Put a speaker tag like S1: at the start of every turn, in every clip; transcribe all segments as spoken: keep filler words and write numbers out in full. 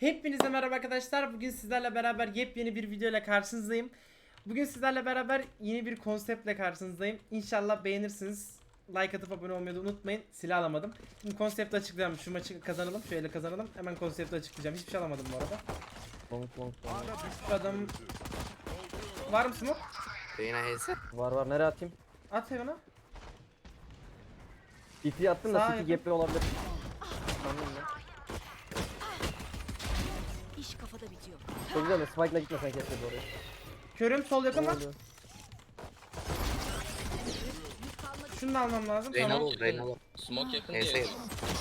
S1: Hepinize merhaba arkadaşlar. Bugün sizlerle beraber yepyeni bir video ile karşınızdayım. Bugün sizlerle beraber yeni bir konseptle karşınızdayım. İnşallah beğenirsiniz. Like atıp abone olmayı da unutmayın. Silah alamadım. Şimdi konsepti açıklayalım. Şu maçı kazanalım. Şöyle kazanalım. Hemen konsepti açıklayacağım. Hiçbir şey alamadım bu arada.
S2: Long long long.
S1: Şu adam... Var mı smoke?
S3: Reyna H'si.
S2: Var var, nereye atayım?
S1: At hemen.
S2: C T'yi attım da
S1: Sağa
S2: C T
S1: yakın.
S2: gap'li olabilir. Sandım ya.
S4: İş kafada bitiyor.
S2: Çok güzel de Spike'la gitmesen keşke oraya.
S1: Körüm sol yakın
S2: Ne
S1: var.
S2: oluyor?
S1: Şunu da almam lazım.
S3: Reyna
S1: Tamam.
S3: ol, Reyna ol.
S5: Smoke yakın
S3: H'si.
S5: diye.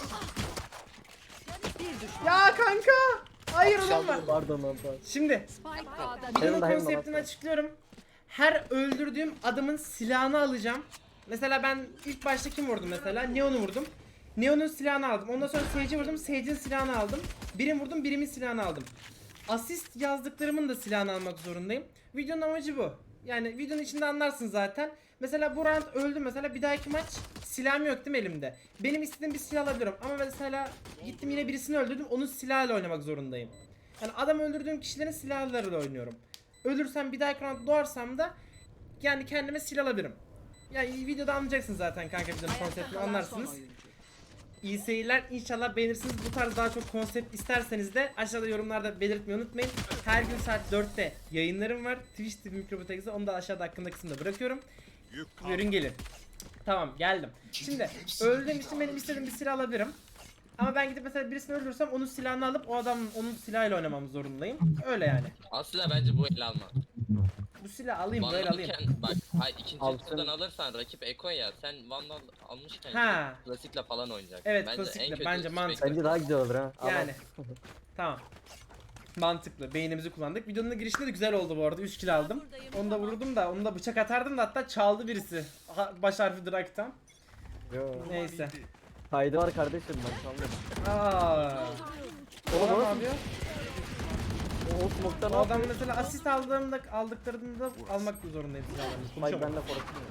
S1: Ya kanka. Hayır adam var.
S2: Pardon lan pardon.
S1: Şimdi
S4: Spike A'da
S1: videonun
S2: Heaven'da, Heaven'da
S1: konseptini
S2: bak.
S1: açıklıyorum. Her öldürdüğüm adamın silahını alacağım. Mesela ben ilk başta kim vurdum mesela? Neon'u vurdum. Neon'un silahını aldım. Ondan sonra Sage'i vurdum. Sage'in silahını aldım. Birim vurdum, birimin silahını aldım. Asist yazdıklarımın da silahını almak zorundayım. Videonun amacı bu. Yani videonun içinde anlarsın zaten. Mesela bu round öldüm mesela, bir dahaki maç silahım yok değil mi elimde? Benim istediğim bir silah alabilirim ama mesela gittim yine birisini öldürdüm, onun silahıyla oynamak zorundayım. Yani adam öldürdüğüm kişilerin silahlarıyla oynuyorum. Ölürsem bir dahaki round doğarsam da yani kendime silah alabilirim. Yani videoda anlayacaksın zaten kanka, videonun konseptini anlarsınız. İyi seyirler, inşallah beğenirsiniz. Bu tarz daha çok konsept isterseniz de aşağıda yorumlarda belirtmeyi unutmayın. Her gün saat dörtte yayınlarım var. Twitch T V Mikrobotek'te, onu da aşağıda hakkında kısımda bırakıyorum. Buyurun gelin. Tamam, geldim. Şimdi öldüğüm için benim istediğim bir silah alabilirim. Ama ben gidip mesela birisini öldürürsem onun silahını alıp o adam onun silahıyla oynamam zorundayım. Öyle yani.
S5: Aslında bence bu el alma.
S1: Bu silahı alayım,
S5: Vandal
S1: böyle alayım.
S5: iken bak, hayır ikinci
S2: Alsın.
S5: turdan alırsan rakip Eko ya, sen Vandal almışken
S1: Ha.
S5: klasikle falan oynayacaksın.
S1: Evet,
S5: bence
S1: klasikle,
S5: en kötü
S1: bence
S5: spek-
S1: mantıklı.
S2: Bence daha güzel olur ha. Al, al.
S1: Yani. Tamam. Mantıklı. Beynimizi kullandık. Videonun girişinde de güzel oldu bu arada. üç kill aldım. Onu da vururdum da, onu da bıçak atardım da, hatta çaldı birisi. Ha, baş harfi Drak'tan.
S2: Yo.
S1: Neyse.
S2: Kaydı var kardeşim, ben sanmıyorum.
S1: Aa. O adam ne yapıyor?
S2: O smoke'tan
S1: O
S2: al.
S1: adam mesela asist aldığımda, aldıklarında almak zorundayım silahlarını.
S2: Spike
S1: Konuşamam.
S2: benle korkuyor.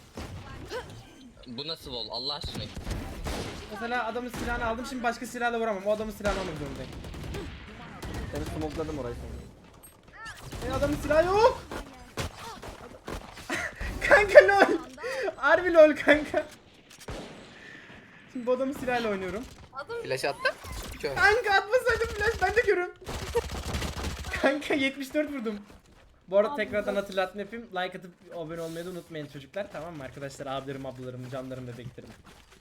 S5: Bu nasıl vol Allah aşkına.
S1: Mesela adamın silahını aldım, şimdi başka silahla vuramam. O adamın silahını almak zorundayım.
S2: Seni smokeladım orayı sonra.
S1: E adamın silahı yok. Kanka lol. Harbi lol kanka. Şimdi bu adamın silahıyla oynuyorum.
S3: Flash attı. Kör.
S1: Kanka atmasaydım flash, ben de görüyorum. Kanka yetmiş dört vurdum. Bu arada tekrardan hatırlatma yapayım. Like atıp abone olmayı da unutmayın çocuklar, tamam mı arkadaşlar? Abilerim, ablalarım, canlarım, bebeklerim.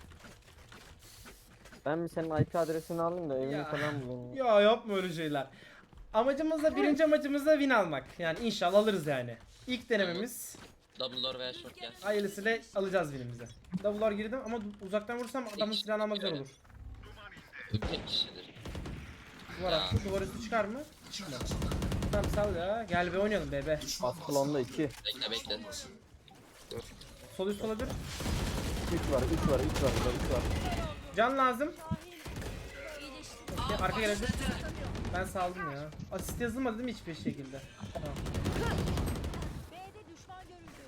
S2: Ben mi senin I P adresini alayım da evini
S1: Ya.
S2: falan bulayım.
S1: Ya yapma öyle şeyler. Amacımız da, birinci amacımız da win almak. Yani inşallah alırız yani. İlk denememiz.
S5: Double door veya short gel.
S1: Hayırlısıyla alacağız winimizi. Double door girdim ama uzaktan vursam adamın silahını almak zor olur.
S5: Tek kişidir.
S1: Duvar
S5: Ya.
S1: attı. Duvar üstü çıkar mı? Çıkmadı. Tamam sal ya. Gel be oynayalım bebe.
S2: Asklon'da iki.
S5: Bekle bekle.
S1: Sol üst olabilir.
S2: üç var, üç var, üç var, üç var.
S1: Can lazım. Okey, arka gelebilir. Ben saldım ya. Asist yazılmadı değil mi hiçbir şekilde? Tamam.
S4: B'de düşman görüldü.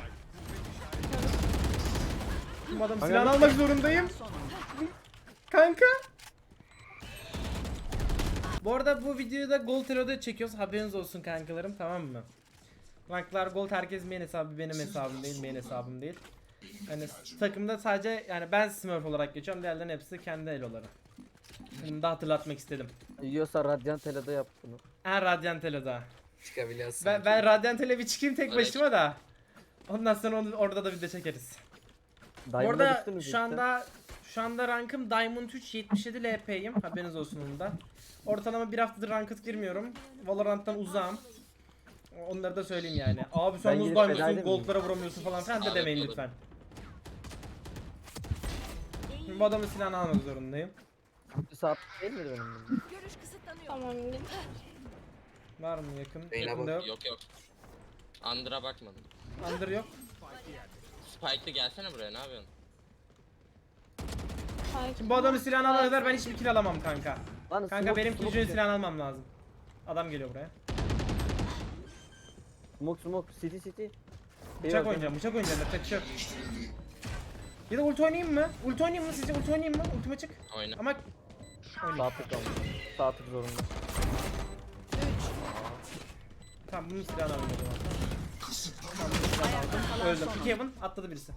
S1: Bu adam
S2: Kanka
S1: silahını
S2: ne-
S1: almak zorundayım. Kanka. Bu arada bu videoyu da Gold Hero'da çekiyoruz. Haberiniz olsun kankalarım, tamam mı? Ranklar Gold, herkes main hesabı, benim hesabım değil, main hesabım değil. Yani takımda sadece yani ben Smurf olarak geçiyorum, diğerlerinin hepsi kendi eloları. Bunu da hatırlatmak istedim.
S2: Yiyorsa Radiant Tele'de yap bunu.
S1: En Radiant Elo'da.
S3: Çıkabiliyorsun.
S1: Ben, ben Radiant Ele bir çıkayım tek
S5: Öyle
S1: başıma da. Ondan sonra onu, orada da video çekeriz. Bu
S2: Diamond'a
S1: arada
S2: düştünüz
S1: şu
S2: işte.
S1: anda şu anda rankım Diamond üç, yetmiş yedi L P'yim. Haberiniz olsun onun da. Ortalama bir haftadır ranked girmiyorum. Valorant'tan uzağım. Onları da söyleyeyim yani. Abi sen
S2: Ben
S1: nasıl
S2: gidip
S1: Diamond'sın,
S2: feda edeyim mi?
S1: gold'lara vuramıyorsun falan filan da
S5: Abi,
S1: demeyin
S5: olur.
S1: lütfen. Şimdi bu adamın silahını almak zorundayım.
S2: Bir saat değil miydi benim bunun?
S4: Görüş kısıtlanıyor.
S6: Tamam.
S1: Var mı yakın?
S3: Reyna
S1: Yakında yok.
S5: Yok yok. Under'a bakmadım.
S1: Under yok.
S5: Spike'lı gelsene buraya, ne yapıyorsun?
S1: Şimdi bu adamın silahını alana kadar ben hiçbir kill alamam kanka.
S2: Lan
S1: Kanka
S2: smoke,
S1: benim
S2: smoke,
S1: killjoy'un silahını almam lazım. Adam geliyor buraya.
S2: Smoke smoke city city.
S1: Bıçak oynayacağım, bıçak oynayacağım. Yapacak bir şey yok. Ya da ulti oynayayım mı? Ulti oynayayım mı? Sizce ulti oynayayım mı? Ultime çık.
S5: Oyna.
S1: Ama
S2: Sağ tık aldım. Sağ tık zorunda.
S1: Tamam bunun silahını alayım o zaman. Tamam bunun silahını aldım. Öldüm. İki Heaven atladı birisi.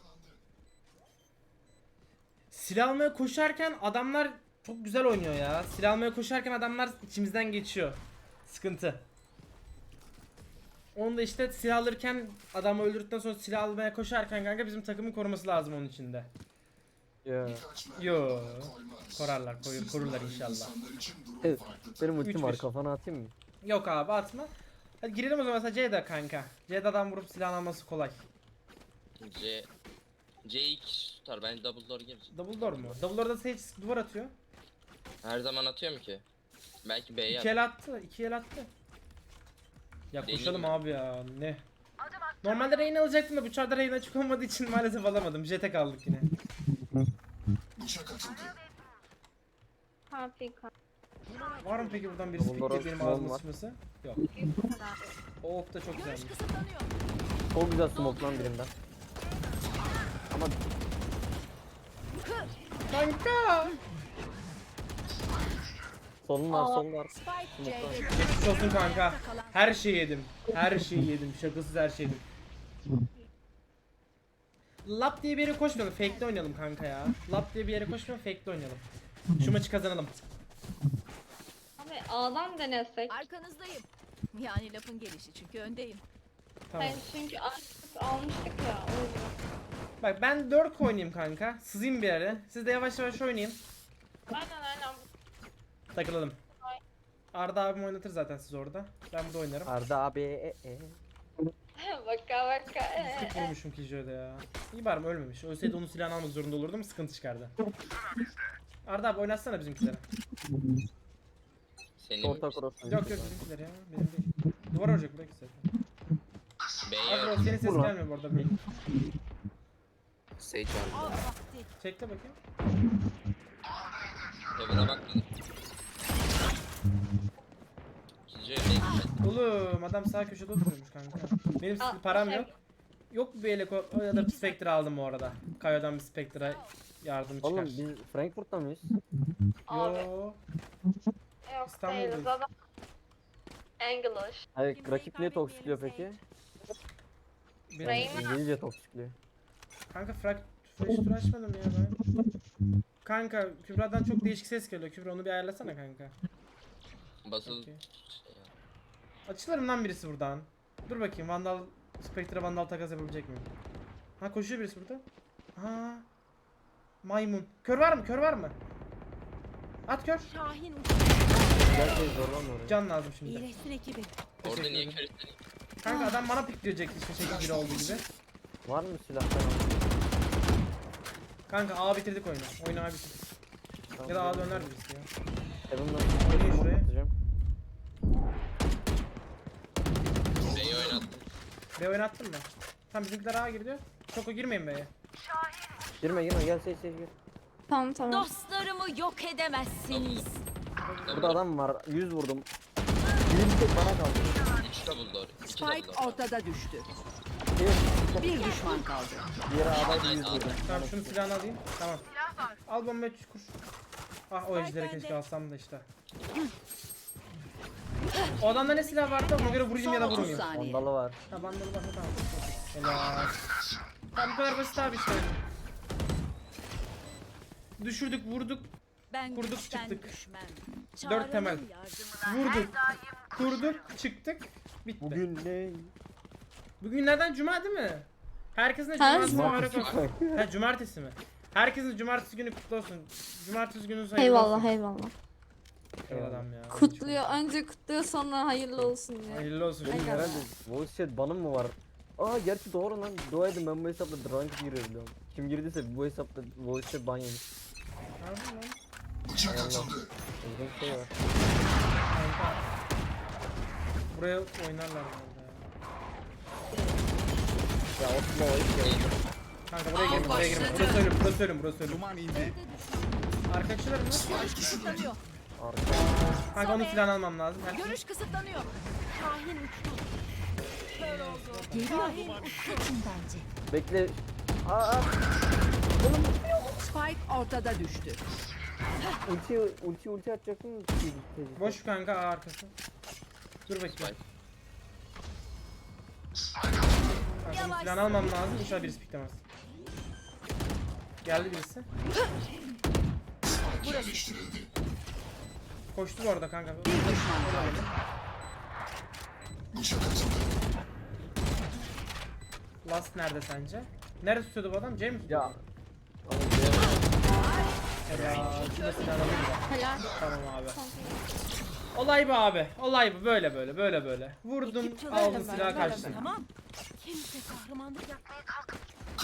S1: Silah almaya koşarken adamlar çok güzel oynuyor ya. Silah almaya koşarken adamlar içimizden geçiyor. Sıkıntı. Onu da işte silah alırken adamı öldürdükten sonra silah almaya koşarken kanka bizim takımın koruması lazım onun içinde.
S2: Ya.
S1: Yo. Korarlar, koyur, korurlar inşallah.
S2: Evet. Benim ultim
S1: Üç
S2: var
S1: bir.
S2: kafana atayım mı?
S1: Yok abi atma. Hadi girelim o zaman mesela C'de kanka. C'de'den vurup silah alması kolay.
S5: C C iki tutar. Bence double door gelir.
S1: Double door mu? Double door'da Sage duvar atıyor.
S5: Her zaman atıyorum ki. Belki B'ye
S1: İki
S5: at.
S1: el attı, iki el attı. Ya
S5: Deneyeyim
S1: koşalım
S5: mi?
S1: abi ya ne? Normalde Reyna alacaktım da bu çarda Reyna açık olmadığı için maalesef alamadım. Jet'e kaldık yine.
S6: Ha pika.
S1: Var mı peki buradan birisi
S2: Double door'a
S1: pikleyip benim
S2: small
S1: ağzıma
S2: var.
S1: sıçması? Yok. O ok da çok
S4: Görüş
S1: güzelmiş.
S4: kısıtlanıyor.
S2: Çok güzel smoke lan birinden. Ama
S1: Kanka!
S2: solun var solun var.
S4: Spike
S2: Smoke'tan.
S4: C'de
S1: Geçmiş olsun kanka. Her şeyi yedim. Her şeyi yedim. Şakasız her şeyi yedim. Lap diye bir yere koşmayalım. Fake'le oynayalım kanka ya. Lap diye bir yere koşmayalım. Fake'le oynayalım. Şu maçı kazanalım.
S6: Abi A'dan denesek.
S4: arkanızdayım. Yani lafın gelişi çünkü öndeyim.
S1: Tamam.
S6: Hayır çünkü artık almıştık ya. O yüzden.
S1: Bak ben dört oynayayım kanka. Sızayım bir yere. Siz de yavaş yavaş oynayın.
S6: Aynen aynen.
S1: Takılalım. Arda abim oynatır zaten siz orada. Ben burada oynarım.
S2: Arda abi e, e.
S6: Baka baka. Ee,
S1: Sık vurmuşum Killjoy'da ya. İyi bari mi ölmemiş. Ölseydi onun silahını almak zorunda olurdum. Sıkıntı çıkardı. Arda abi oynatsana bizimkileri.
S5: Senin
S2: Orta cross.
S1: Yok yok bizimkiler ya. Benim değil. Duvar olacak belki zaten.
S5: B'ye
S1: Abi
S5: at.
S1: o senin ses
S2: Vur lan.
S1: gelmiyor bu arada. Benim.
S3: Sage var
S4: Av
S3: burada.
S4: vakti.
S1: Çekle bakayım.
S5: Heaven'a bakmadım. İkinci evde gitmedi.
S1: Oğlum adam sağ köşede oturuyormuş kanka. Benim
S6: Aa,
S1: param
S6: şey-
S1: yok. Yok bir eleko ya da bir Spectre aldım bu arada. Kayo'dan bir Spectre'a yardım çıkar.
S2: Oğlum biz Frankfurt'ta mıyız?
S6: Abi.
S1: Yo.
S6: Yok
S1: İstanbul'dayız.
S6: değiliz adam. English.
S2: Hayır rakip niye toksikliyor peki?
S1: Benim-
S6: Reyna.
S2: İngilizce toksikliyor.
S1: Kanka frak flash tur açmadım ya ben. Kanka Kübra'dan çok değişik ses geliyor. Kübra onu bir ayarlasana kanka.
S5: Basıl
S1: Okey.
S5: şey ya.
S1: Açılırım lan birisi buradan. Dur bakayım Vandal Spectre Vandal takas yapabilecek miyim? Ha koşuyor birisi burada. Ha. Maymun. Kör var mı? Kör var mı? At kör.
S4: Şahin uçtu.
S2: Güzel şey zorlanma oraya.
S1: Can lazım şimdi.
S4: İyileşsin ekibi.
S5: Orada
S1: Teşekkür
S5: niye
S1: ederim.
S5: kör istedin?
S1: Kanka adam bana pikleyecek işte şekil biri olduğu gibi.
S2: Var mı silah falan?
S1: Kanka A bitirdik oyunu. Oyunu A bitirdik.
S2: Tamam,
S1: Ya da A
S2: gelin.
S1: döner birisi ya.
S2: Heaven'dan
S1: Oynayın
S2: smoke
S1: şuraya.
S2: atacağım.
S5: B'yi oynattım.
S1: B oynattın mı? Tamam bizimkiler A giriyor. Çok o girmeyin B'ye.
S2: Girme girme gel seç seç gir.
S6: Tamam tamam.
S4: Dostlarımı yok edemezsiniz.
S2: Burada adam var. yüz vurdum. Birinci tek bana kaldı.
S5: üç double door. iki double
S7: Spike
S5: door.
S7: ortada düştü.
S2: Bir,
S7: Bir düşman kaldı.
S2: diğeri adam yüz vurdum.
S1: Tamam şunun silahını alayım. Tamam. Al bombayı kur. Ah o ejderi keşke alsam da işte. O adamda ne silah vardı ona göre vurayım ya da
S7: Son otuz
S1: vurmayayım.
S7: saniye.
S2: Vandalı var.
S1: Ha bandalı var tamam. Helal. Tamam bu kadar basit abi işte. Düşürdük vurduk
S4: Ben
S1: Kurduk,
S4: güçten
S1: çıktık.
S4: düşmem.
S1: Dört temel.
S4: Çağrı'nın yardımına
S1: vurduk kurduk çıktık bitti. Bugün,
S2: Bugün ne?
S1: Bugün günlerden cuma değil mi? Herkesin de
S6: Ha?
S1: cumartesi mübarek
S2: Cumartesi.
S1: olsun. Ha cumartesi mi? Herkesin cumartesi günü kutlu olsun. Cumartesi günü hayırlı
S8: Eyvallah
S1: olsun.
S8: eyvallah.
S1: Ey adam ya.
S8: Kutluyor. Önce kutluyor sonra hayırlı olsun diyor.
S1: Hayırlı olsun.
S2: Benim
S1: şimdi.
S2: herhalde voice chat banım mı var? Aa gerçi doğru lan. Dua edin ben bu hesapla drunk girebiliyorum. Kim girdiyse bu hesapta voice chat ban yemiş.
S1: Harbi lan.
S2: Allah. Uzun şey var.
S1: Kanka. Buraya oynarlar herhalde ya.
S2: Ya Osman o ilk geldi.
S1: Kanka buraya girme, buraya girme. Burası ölüm, burası ölüm, burası ölüm.
S9: Duman indi.
S1: Arka açılır mı?
S4: kısıtlanıyor.
S2: Arka.
S1: Kanka onun silahını almam lazım. Herkes-
S4: Görüş kısıtlanıyor. Şahin uçtu. Kör oldu. Şahin uçtu. bence.
S2: Bekle. Aa, aa.
S7: Spike ortada düştü.
S2: Ulti ulti ulti atacaktım.
S1: Boş kanka A arkası. Dur bakayım.
S5: Spike.
S1: Kanka silahını almam lazım. İnşallah birisi piklemez. Geldi birisi. Koştu bu arada kanka. Last nerede sence? Nerede tutuyordu bu adam? C mi tutuyordu?
S2: Ya.
S1: Ya. Şurada silahını alayım da.
S8: Helal.
S1: Tamam abi. Olay bu abi. Olay bu. Böyle böyle böyle böyle. Vurdum, aldım
S8: Böyle,
S1: silahı
S8: böyle,
S1: kaçtım.
S8: böyle.
S4: Tamam. Kimse kahramanlık yapmaya kalkıp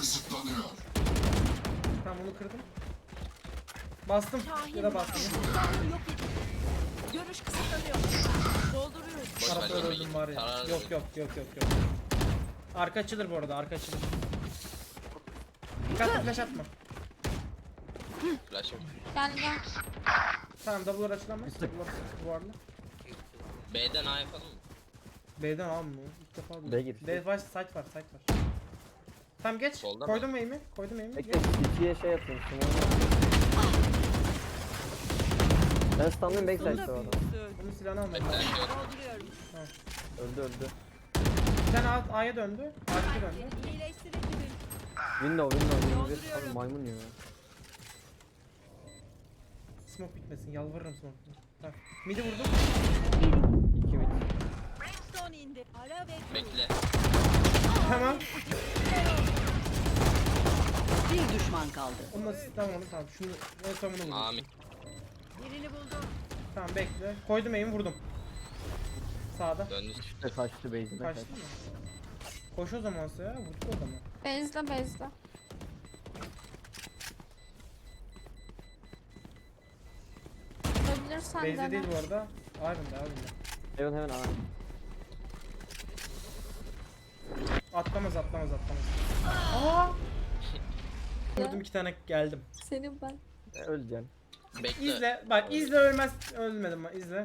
S1: Tamam bunu kırdım. Bastım.
S4: Şahin
S1: Ya da bastım.
S4: Şahin yok edildi. Görüş kısıtlanıyor. Dolduruyoruz.
S5: Boş ver,
S1: Tarafta
S5: yemeği.
S1: öldüm var ya.
S5: Karar
S1: Yok
S5: ver.
S1: yok yok yok yok. Arka açılır bu arada, arka açılır. Dikkatli flash atma.
S5: Flash'ım.
S8: Gel gel.
S1: Tamam double'lar açılamaz. Double'lar bu arada.
S5: B'den A yapalım mı?
S1: B'den al mı? İlk defa duydum.
S2: B gir.
S1: B var, site var, site var. Tamam geç.
S5: Solda mı?
S1: Koydum aim'i. Koydum aim'i.
S2: Bekle
S1: Geç.
S2: ikiye şey atayım. Ben stunlayayım backside'da o adam.
S1: Bunun silahını almam
S5: Bekle.
S1: lazım.
S5: Yok.
S4: Dolduruyorum.
S2: Öldü öldü.
S1: Bir tane alt A'ya döndü. A'ya döndü.
S4: İyileştirebilirim.
S2: Window window window.
S4: Dolduruyorum.
S2: Abi maymun ya.
S1: Smoke bitmesin. Yalvarırım smoke. Tamam. Mid'i vurdum.
S2: İki mid.
S4: Brimstone indi. Ara ve
S5: Bekle.
S1: Tamam.
S7: Bir düşman kaldı.
S1: Onunla tamam onu tamam. Şunu en son bunu vurdum.
S5: Amin.
S4: birini buldum.
S1: Tamam bekle. Koydum aim'i vurdum. Sağda.
S5: Döndü.
S2: İşte kaçtı base'ine
S1: Kaçtı
S2: kaçtı.
S1: mı? Koş o zaman ya. Vurdu o zaman.
S8: Bezle bezle. Olabilirsen
S1: Base'de
S8: dene.
S1: değil bu arada. Iron'da Iron'da.
S2: Heaven heaven abi.
S1: Atlamaz atlamaz atlamaz. Aa! Vurdum iki tane geldim.
S8: Senin ben.
S2: E, öleceksin.
S5: Bekle.
S1: İzle. Bak izle ölmez. Ölmedim ben. İzle.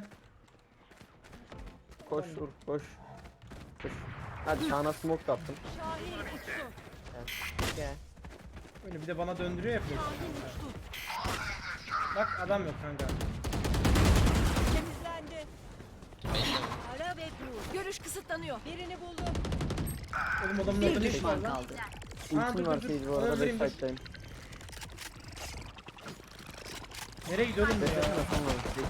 S2: Koş vur koş. Koş. Hadi sana smoke da attım.
S4: Şahin uçtu.
S2: Gel.
S1: Öyle bir de bana döndürüyor ya flash.
S4: Şahin uçtu.
S1: Bak adam yok kanka.
S4: Temizlendi.
S5: Bekle.
S4: Ara ve dur. Görüş kısıtlanıyor. Birini buldum.
S1: Oğlum adamın
S7: Bir
S1: orada ne işi var
S7: düşman
S1: lan?
S7: kaldı.
S1: Aa, dur,
S2: Ultim
S1: dur,
S2: var
S1: dur.
S2: Sage bu
S1: Onu
S2: arada
S1: öldüreyim, dur.
S2: backside'dayım.
S1: Nereye gidiyor oğlum bu ya?
S2: Beklesene sonra.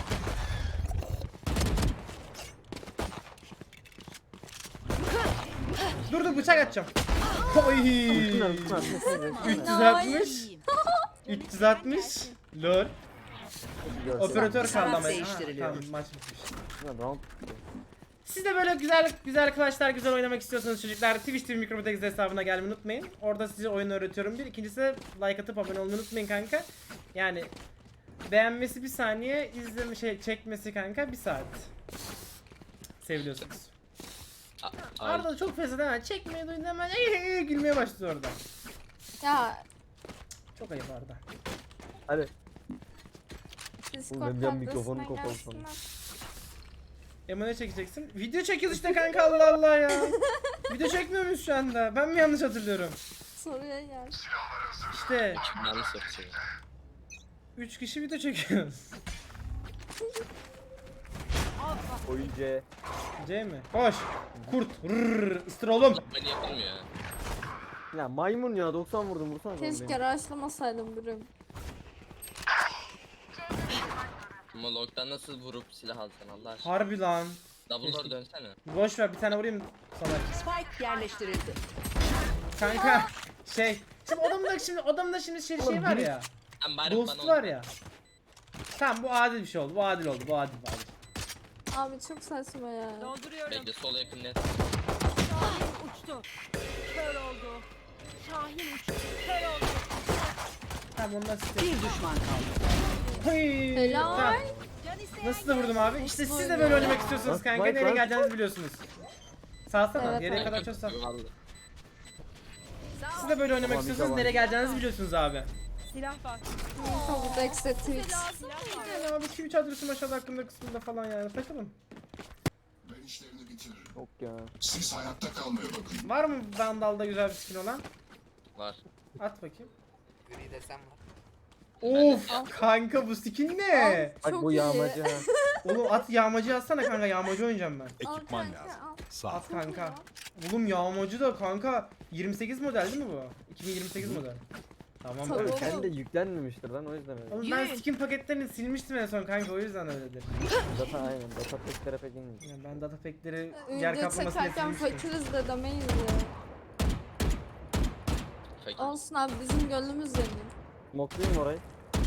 S1: Dur dur bıçak atacağım. Oy.
S2: Ultim var ultim var.
S1: üç yüz altmış. üç yüz altmış. Lol. Operatör kaldı ama. Ha,
S7: Değiştiriliyor.
S1: tamam maç bitmiş.
S2: Round.
S1: Siz de böyle güzel güzel arkadaşlar güzel oynamak istiyorsanız çocuklar Twitch T V Mikrobotex hesabına gelmeyi unutmayın. Orada size oyun öğretiyorum bir. İkincisi de like atıp abone olmayı unutmayın kanka. Yani beğenmesi bir saniye, izleme şey çekmesi kanka bir saat. Seviliyorsunuz.
S5: A- Ay.
S1: Arda da çok fesat hemen çekmeyi duyunca hemen ey, ey, ey, gülmeye başladı orada.
S8: Ya
S1: Çok ayıp Arda.
S2: Hadi.
S8: Discord
S2: benim
S8: adresine
S2: mikrofonum kapalı
S8: gelsinler.
S1: Emo ne çekeceksin? Video çekiyoruz işte kanka Allah Allah ya. Video çekmiyor muyuz şu anda? Ben mi yanlış hatırlıyorum?
S8: Soruya gel.
S1: İşte
S5: Yanlış yapıyor.
S1: üç kişi video çekiyoruz.
S2: Oyun C.
S1: C mi? Koş. Kurt. Rrrr. Isır oğlum.
S5: Böyle yapılmıyor ya.
S2: Ya maymun ya doksan vurdum vursana.
S8: Keşke rushlamasaydım Brim.
S5: Ama log'dan nasıl vurup silah alsan Allah aşkına.
S1: Harbi lan.
S5: Double door
S1: Keşke.
S5: dönsene.
S1: Boş ver bir tane vurayım sana.
S7: Spike yerleştirildi.
S1: Kanka şey. Şimdi adamda şimdi adamda şimdi şey, şey var ya.
S5: Sen bari
S1: Ghost
S5: bana
S1: var ya. Tamam bu adil bir şey oldu. Bu adil oldu. Bu adil bu adil.
S8: Abi çok saçma ya.
S4: Dolduruyorum.
S5: Bekle sol yakın net.
S4: Şahin uçtu. Kör oldu. Şahin uçtu. Kör oldu.
S1: Tamam ondan size.
S7: Bir düşman kaldı.
S1: Hıy.
S8: Helal.
S1: Tamam.
S4: Can isteyen
S1: Nasıl da vurdum abi? İşte siz de böyle oynamak istiyorsunuz
S2: Nasıl
S1: kanka.
S2: fight
S1: Nereye
S2: lan?
S1: geleceğinizi biliyorsunuz. Salsana.
S8: Evet,
S1: Geriye
S8: evet.
S1: kadar çok sal.
S5: Vallahi.
S1: Siz de böyle oynamak
S2: Tamam, bir
S1: istiyorsanız
S2: de
S1: nereye
S2: var.
S1: geleceğinizi biliyorsunuz abi.
S4: silah var.
S8: Mikrobotex Twitch.
S4: Lazım mıydı?
S1: Yani abi Twitch adresim aşağıda hakkında kısmında falan yani. Takılın.
S9: Ben işlerini bitiririm.
S2: Yok ya.
S9: Siz hayatta kalmaya bakın.
S1: Var mı Vandal'da güzel bir skin olan?
S5: Var.
S1: At bakayım.
S3: Gri desem var.
S1: Of kanka bu skin ne?
S2: Bak
S8: Çok
S2: bu
S8: iyi.
S2: yağmacı ha.
S1: Oğlum at yağmacı atsana kanka, yağmacı oynayacağım ben.
S8: Al
S9: Ekipman
S8: kanka,
S9: lazım.
S8: al.
S9: Sağ.
S1: At kanka. Oğlum yağmacı da kanka yirmi sekiz model değil mi bu? iki bin yirmi sekiz model. Tamam.
S8: Tabii.
S1: be.
S2: Tabii kendi yüklenmemiştir lan o yüzden öyle.
S1: Oğlum ben
S7: Yürüyün.
S1: skin paketlerini silmiştim en son kanka, o yüzden öyledir.
S2: Data aynen. Data peklere pek inmiyor.
S1: Yani ben data pack'leri yer
S8: Video
S1: kaplamasıyla
S8: çekerken
S1: silmiştim.
S8: fakiriz de demeyiz ya.
S5: Fakir.
S8: Olsun abi, bizim gönlümüz zengin.
S2: Smoklayayım orayı.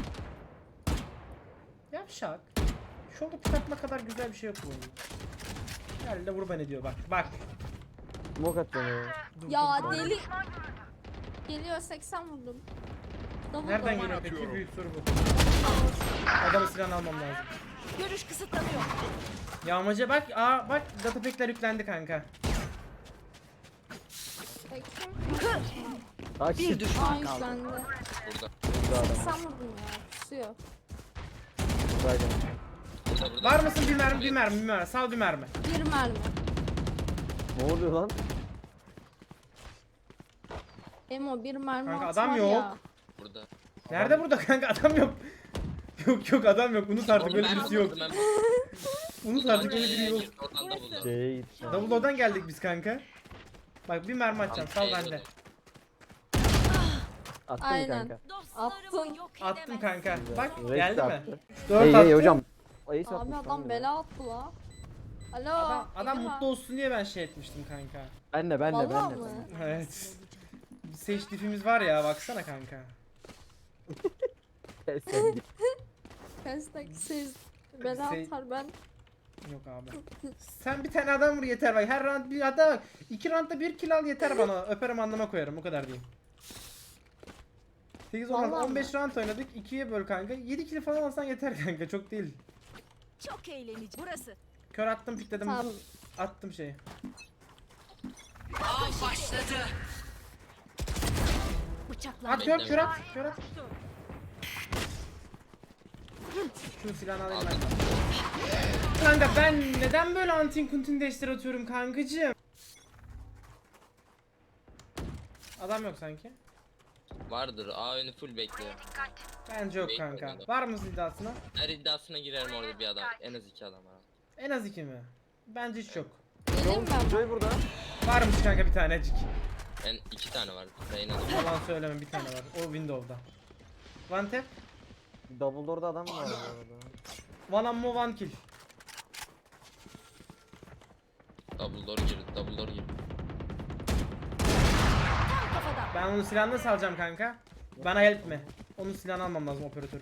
S1: Yavşak. Şurada pik atma kadar güzel bir şey yok bu oyunda. Gel de vur beni diyor bak bak.
S2: Smoke atacağım ya.
S1: Dur,
S8: Ya
S1: dur, dur.
S8: deli. Geliyor, seksen vurdum. Double
S1: Nereden
S8: double.
S1: geliyor peki, büyük soru bu. Adamı silahını almam lazım.
S7: Görüş kısıtlanıyor.
S1: Yağmacı bak, aa bak data pack'ler yüklendi kanka.
S8: Bakayım.
S2: Aa
S7: Bir
S2: shit.
S8: Aa
S7: düşman kaldı.
S8: yüklendi.
S5: Burada.
S2: Burada adam.
S8: seksen vurdum ya. Kusuyor.
S2: Buradaydı.
S5: Burada burada.
S1: Var mısın bir mermi bir mermi bir mermi, sal bir mermi.
S8: Bir mermi.
S2: Ne oluyor lan?
S8: Emo bir mermi
S1: Kanka,
S8: at
S1: adam
S8: var
S1: yok.
S8: ya.
S5: Burada.
S1: Nerede burada kanka, adam yok. Yok yok adam yok, unut artık, öyle birisi yok.
S5: Ben
S1: Unut artık, öyle biri yok.
S5: Oradan da buldum.
S2: C'ye gitti.
S1: Double O'dan geldik biz kanka. Bak bir mermi atacağım, sal bende.
S2: Attım
S8: Aynen.
S2: kanka.
S8: Attın.
S1: Attım kanka. Bak
S2: Rex
S1: geldi mi?
S2: attı.
S1: dört
S2: Hey
S1: attı.
S2: hey hocam. Ace
S8: Abi
S2: atmış lan
S8: adam
S2: ya.
S8: bela attı la. Alo.
S1: Adam, adam
S8: Egemen.
S1: mutlu olsun diye ben şey etmiştim kanka.
S2: Ben de ben de ben
S8: Vallahi
S2: de.
S8: mı?
S1: Evet. Bir seçtifimiz var ya, baksana kanka.
S2: Sen git.
S8: Hashtag siz bela
S1: Şey-
S8: atar ben.
S1: Yok abi. Sen bir tane adam vur yeter bak. Her round bir adam bak. İki roundda bir kill al yeter bana. Öperim anlama koyarım, o kadar diyeyim. sekiz on
S8: Vallahi
S1: on beş round oynadık. ikiye böl kanka. yedi kill falan alsan yeter kanka, çok değil.
S7: Çok eğlenici. Burası.
S1: Kör attım, pikledim.
S8: Tamam.
S1: Attım şeyi.
S7: Av başladı. Bıçaklar.
S1: At kör,
S5: Bekleme.
S1: kör at, kör at. Şunu silahını alayım ben. Kanka ben neden böyle antin kuntin deşler atıyorum kankacığım? Adam yok sanki.
S5: Vardır. A önü full bekliyor.
S1: Bence yok kanka. Var mı iddiasına?
S5: Her iddiasına girerim orada bir adam. En az iki adam var.
S1: En az iki mi? Bence hiç yok.
S8: Geleyim ben.
S2: Joy burada.
S1: Varmış kanka bir tanecik.
S5: En iki tane var. En az.
S1: Yalan söyleme, bir tane var. O Windows'da. One tap,
S2: Double door'da adam var bu arada.
S1: one ammo, one kill.
S5: Double door girdi. Double door girdi.
S1: Ben onun silahını nasıl alacağım kanka? Bana help mi? Onun silahını almam lazım, operatörü.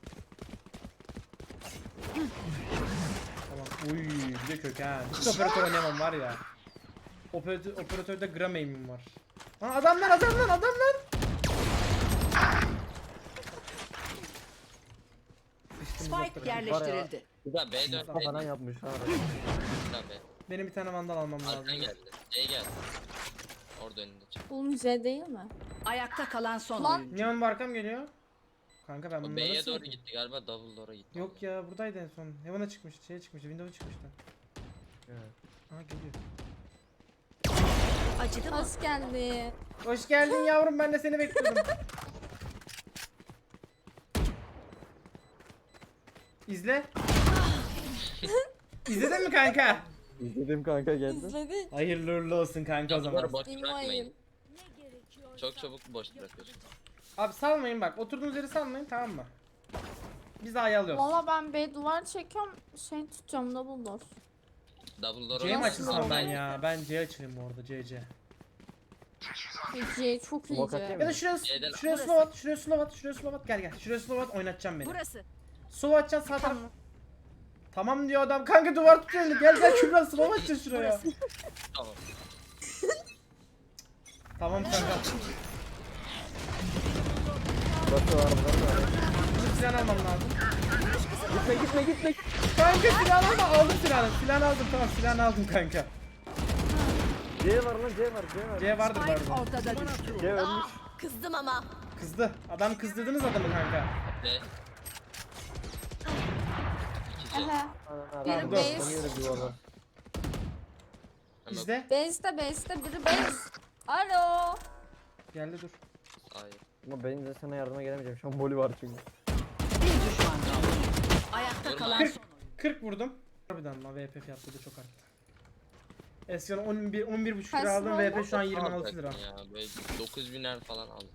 S1: Tamam. Uy, bir de kök ha. Hiç operatör oynayamam var ya. Operatör, operatörde gram aim'im var. Ha adamlar adamlar adamlar. Sıçtım,
S7: Spike
S1: uzaklara.
S7: yerleştirildi.
S5: Güzel B dört.
S2: Mustafa falan yapmış ha.
S5: Güzel B.
S1: Benim bir tane vandal almam lazım.
S5: Arkan geldi. C geldi. Orada önünde çık.
S8: Oğlum C değil mi?
S7: Ayakta kalan son
S8: Lan.
S7: oyuncu.
S1: Neon barkam geliyor. Kanka ben
S5: O
S1: bunları
S5: B'ye
S1: nasıl
S5: doğru
S1: yapayım?
S5: gitti galiba. Double door'a gitti.
S1: Yok ya, buradaydı en son. Heaven'a çıkmıştı, şeye çıkmıştı, Windows'a çıkmıştı.
S2: Evet.
S1: Aha geliyor.
S7: Acıdı mı?
S8: Hoş geldin.
S1: Hoş geldin yavrum, ben de seni bekliyordum. İzle. İzledin mi kanka?
S2: İzledim kanka geldi.
S8: İzledin.
S1: Hayırlı uğurlu olsun kanka o zaman.
S5: Bunları boş bırakmayın.
S8: İnmayın.
S5: Çok çabuk boş bırakıyorsun.
S1: Abi salmayın bak, oturduğunuz yeri salmayın, tamam mı? Biz A'yı alıyoruz.
S8: Valla ben B duvar çekiyorum. Şey tutacağım, double door.
S5: Double door'a
S1: C mi
S8: Nasıl
S1: açılsam ben
S8: oldu?
S1: ya? Ben C açayım orada, C C.
S8: C çok
S2: Smoke
S8: iyice.
S2: atayım
S1: Ya da şuraya,
S5: C'den
S1: şuraya slow at, şuraya slow at, şuraya slow at, gel gel. Şuraya slow at, oynatacağım beni.
S7: Burası.
S1: Slow atacaksın sağ taraf. Tamam diyor adam, kanka duvar tutuyor elini. Gel gel Kübra, slow atacağız şuraya.
S5: Tamam.
S1: Tamam kanka.
S2: Burası var burası var.
S1: Bizim silahını almam lazım.
S2: Gitme gitme gitme.
S1: Kanka silahını alma, aldım silahını. Silahını aldım, tamam silahını aldım kanka.
S2: C var lan C var C var.
S1: C vardır
S7: Spike
S1: vardır.
S7: ortada düştü.
S2: C ölmüş.
S7: Kızdım ama.
S1: Kızdı. Adam kızdırdınız adamı kanka.
S5: B. İki C.
S8: Ehe.
S2: Biri
S1: Dur.
S8: base.
S2: duvarlar.
S1: İzle.
S8: Base'de base'de biri base. Alo.
S1: Geldi dur.
S5: Hayır.
S2: Ama benim de sana yardıma gelemeyeceğim. Şu an Molly var çünkü.
S7: Bir düşman kaldı. Ayakta kalan
S1: kırk,
S7: son.
S1: kırk vurdum. Harbiden lan V P fiyatları da çok arttı. Eskiden on bir on bir buçuk
S8: Kaç
S1: lira aldım,
S8: lira
S1: V P
S8: oldu?
S1: şu an yirmi altı lira.
S5: Ya böyle dokuz biner falan aldım.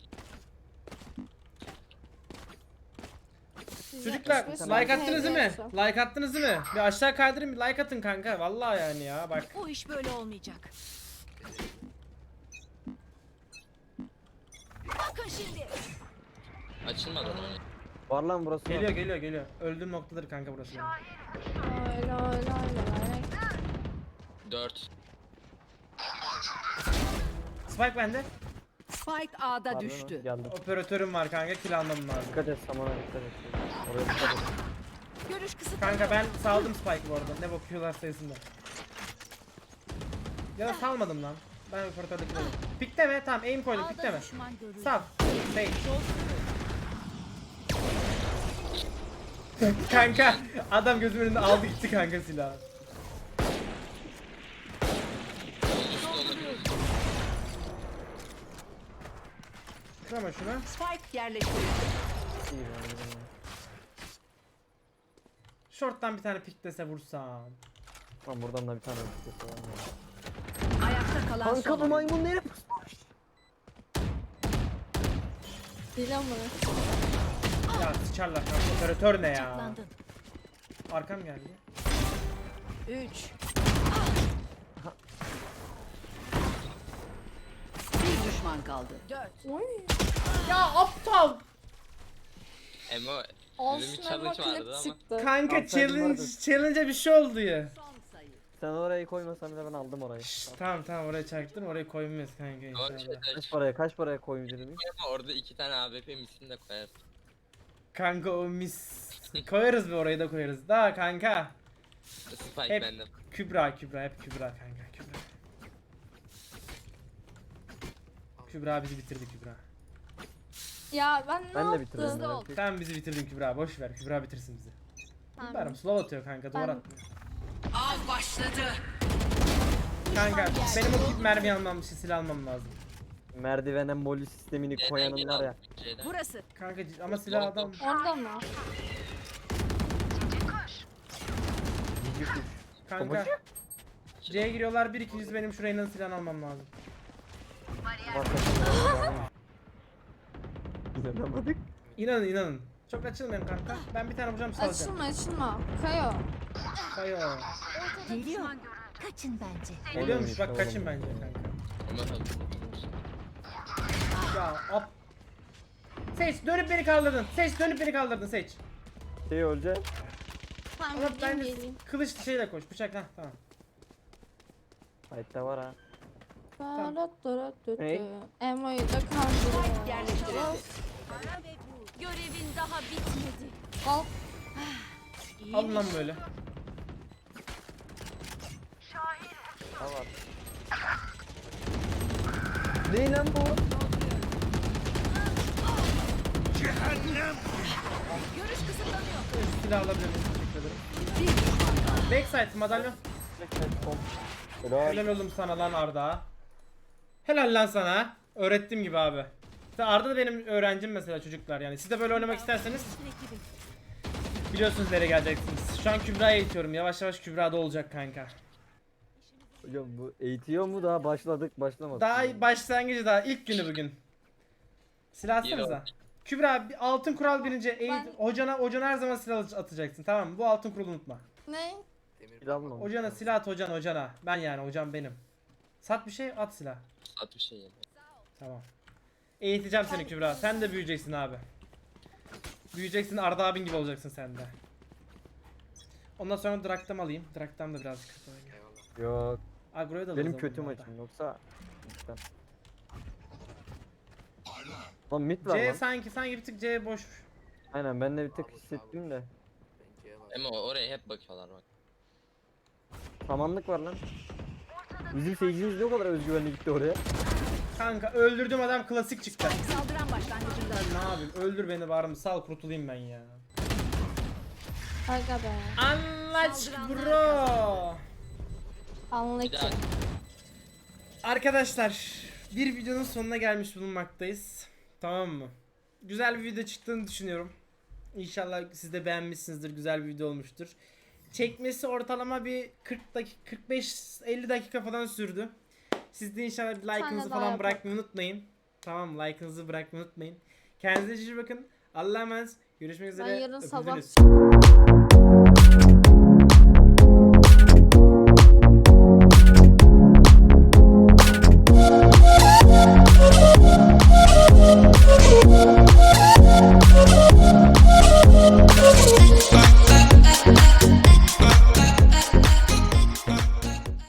S1: Çocuklar
S8: yüz yetmiş beş
S1: like attınız değil mi?
S8: T L
S1: Like attınız değil mi? Bir aşağı kaydırın, bir like atın kanka. Vallahi yani ya bak.
S7: Bu iş böyle olmayacak. Bakın şimdi.
S5: Açılmadı lan.
S2: Var lan burası.
S1: Geliyor geliyor geliyor. Öldüğüm noktadır kanka burası. benim.
S8: Öyle öyle öyle.
S5: dört.
S1: Spike bende.
S7: Spike A'da
S2: Var
S7: düştü.
S2: lan, geldim.
S1: Operatörüm var kanka, kill almam lazım.
S2: Dikkat et, samana dikkat et. Oraya dikkat et.
S7: Görüş kısıtlı.
S1: Kanka ben saldım Spike bu arada. Ne bakıyorlar sayısında. Ya da salmadım lan. Ben operatördeki dedim. Pikleme, tamam aim koydum, pikleme.
S7: düşman görüldü.
S1: Sal. Bey. Kanka adam gözümün önünde aldı gitti kanka silahı. Kırama şunu.
S7: Spike yerleştirildi.
S2: İyi lan, iyi lan.
S1: Short'tan bir tane piklese vursam.
S2: Lan buradan da bir tane öpücük var. ya.
S7: Ayakta kalan
S2: Kanka
S7: son.
S2: bu
S7: oyuncu.
S2: maymun nereye pusmuş?
S8: Dile mi?
S1: Ya sıçarlar kanka. Operatör ne ya?
S7: Bıçaklandın.
S1: Arkam geldi.
S7: Üç. Bir düşman kaldı. Dört.
S8: Oy.
S1: Ya aptal.
S5: Emo
S8: Olsun
S5: bizim
S8: ama
S5: challenge vardı
S8: klip
S5: ama.
S8: çıktı.
S1: Kanka
S2: Aptal
S1: challenge
S2: vardı.
S1: challenge'a bir şey oldu ya.
S7: Son sayı.
S2: Sen orayı koymasan bile ben aldım orayı.
S1: Şşş, tamam tamam oraya çaktım, oraya koymayız kanka
S5: Ama bir
S1: inşallah.
S5: şey
S2: Kaç paraya kaç paraya koymuş dedim.
S5: ama orada iki tane A W P misini de koyarsın.
S1: Kanka o mis. Koyarız bir, orayı da koyarız. Daha kanka.
S5: Spike
S1: Hep-
S5: benden.
S1: Kübra Kübra hep Kübra kanka Kübra. Kübra bizi bitirdi Kübra.
S8: Ya ben ne
S2: Ben de
S8: yaptım?
S2: bitirdim.
S7: Hızlı ol.
S2: merak
S1: Sen bizi bitirdin Kübra, boş ver, Kübra bitirsin bizi.
S8: Tamam.
S1: Bilmiyorum, slow atıyor kanka, duvar
S8: Ben-
S1: atmıyor.
S7: Av başladı.
S1: Kanka benim o tip mermi almam, şey, silah almam lazım.
S2: etme. Merdivene Molly sistemini
S5: C'den
S2: koyanın
S5: geri
S2: var ya.
S5: aldım, C'den.
S7: Burası.
S1: Kanka c- ama silah adam.
S8: Orada mı?
S2: Cici kuş.
S1: Kanka. C'ye giriyorlar, bir iki yüz, benim şu Reyna'nın silahını almam lazım.
S2: Var takımda. İnanamadık.
S1: İnanın inanın. Çok açılmayın kanka. Ben bir tane vuracağım, salacağım.
S8: Açılma açılma. Kayo.
S1: Kayo.
S7: Geliyor. Kaçın bence.
S1: Geliyormuş bak,
S2: Oğlum.
S1: kaçın bence kanka.
S5: Ama tabii.
S1: Ya ap. Seç, dönüp beni kaldırdın. Seç, dönüp beni kaldırdın, seç.
S2: Şey olacak.
S8: Tamam
S1: Ama
S8: gideyim
S1: bence
S8: geleyim.
S1: kılıç şeyle koş, bıçak, ha tamam.
S2: Hayatta var ha.
S8: Hey.
S2: Hey.
S8: Emo'yu da
S7: Spike
S8: kandırıyor.
S7: yerleştirildi.
S4: Görevin daha bitmedi.
S8: Al.
S1: Alın lan böyle.
S2: Ha var. Ne lan bu?
S7: Görüş kısıtlanıyor.
S1: Şu silahı alabilir miyim? Teşekkür ederim.
S7: Bir düşman kaldı.
S1: Backside madalyon.
S2: Helal.
S1: Helal oğlum sana lan Arda. Helal lan sana. Öğrettiğim gibi abi. İşte Arda da benim öğrencim mesela çocuklar yani. Siz de böyle oynamak isterseniz biliyorsunuz nereye geleceksiniz. Şu an Kübra'ya eğitiyorum. Yavaş yavaş Kübra'da olacak kanka.
S2: Hocam bu eğitiyor mu, daha başladık başlamadık.
S1: Daha başlangıcı, daha ilk günü bugün. Silah atsanıza. Kübra bir altın kural birinci eğit.
S8: Ben-
S1: Hocana, hocana her zaman silah atacaksın, tamam mı? Bu altın kuralı unutma.
S8: Ne?
S2: İnanmam.
S1: Hocana silah at, hocana hocana. Ben yani hocam benim. Sat bir şey, at silah.
S5: At bir şey yani.
S1: Tamam. Eğiteceğim seni Kübra. Sen de büyüyeceksin abi. Büyüyeceksin, Arda abin gibi olacaksın sen de. Ondan sonra Draktam alayım. Draktam da birazcık kötü oynuyor.
S5: Eyvallah.
S2: Yok.
S1: Agro'ya da
S2: Benim
S1: alırız
S2: kötü
S1: ama Arda.
S2: maçım yoksa. Lütfen.
S9: Parla.
S2: Lan mid var
S1: C
S2: lan.
S1: sanki sanki bir tık C boş.
S2: Aynen ben de bir tık hissettim de.
S5: Ama oraya hep bakıyorlar bak.
S2: Samanlık var lan. Bizim seyircimiz ne o kadar özgüvenli gitti oraya.
S1: Kanka öldürdüğüm adam klasik çıktı.
S7: Saldıran başlangıcında.
S1: Ben ne yapayım? Öldür beni bari mi? Sal, kurtulayım ben ya.
S8: Aga be.
S1: Anlaç bro.
S5: Bir
S8: Anlık.
S5: daha
S1: Arkadaşlar bir videonun sonuna gelmiş bulunmaktayız. Tamam mı? güzel bir video çıktığını düşünüyorum. İnşallah siz de beğenmişsinizdir. Güzel bir video olmuştur. Çekmesi ortalama bir kırk dakika, kırk beş elli dakika falan sürdü. Siz de inşallah bir like'ınızı
S8: daha
S1: falan
S8: yapalım.
S1: bırakmayı unutmayın. Tamam, like'ınızı bırakmayı unutmayın. Kendinize iyi bakın. Allah'a emanet. Görüşmek üzere.
S8: Ben yarın sabah
S1: Öpüldünüz.